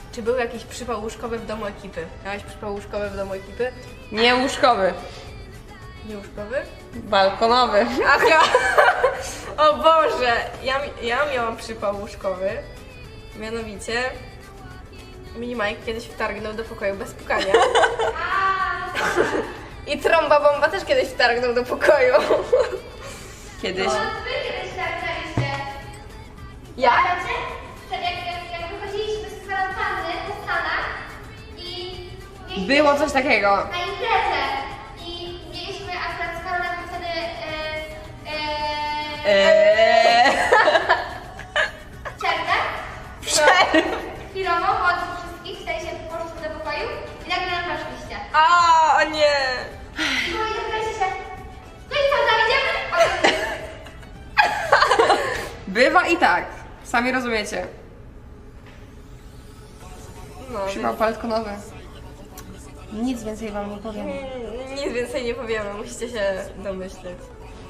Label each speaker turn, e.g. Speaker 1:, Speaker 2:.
Speaker 1: Czy był jakiś przypał łóżkowy w domu ekipy? Miałeś przypał łóżkowy w domu ekipy?
Speaker 2: Nie łóżkowy,
Speaker 1: Nie łóżkowy?
Speaker 2: balkonowy.
Speaker 1: Aha! O Boże! Ja miałam przypał łóżkowy. Mianowicie Mini Mike kiedyś wtargnął do pokoju bez pukania. I trąba bomba też kiedyś wtargnął do pokoju.
Speaker 2: Kiedyś.
Speaker 3: No, wy kiedyś tak graliście.
Speaker 1: Ja?
Speaker 3: Pamiętacie? Jak wychodziliśmy z kwarantanny po Stanach i mieliśmy
Speaker 2: Było coś takiego.
Speaker 3: na imprezę i mieliśmy akurat z Karolem wtedy przerwę chwilową od wszystkich, w sensie poszliśmy do pokoju i nagle nam weszliście.
Speaker 1: O nie!
Speaker 3: I było i zapytaliście się, no i co, tam idziemy?
Speaker 2: Bywa i tak. Sami rozumiecie.
Speaker 1: No,
Speaker 2: Przypał balkonowy. Nic więcej wam nie powiem.
Speaker 1: nic więcej nie powiemy, musicie się domyśleć.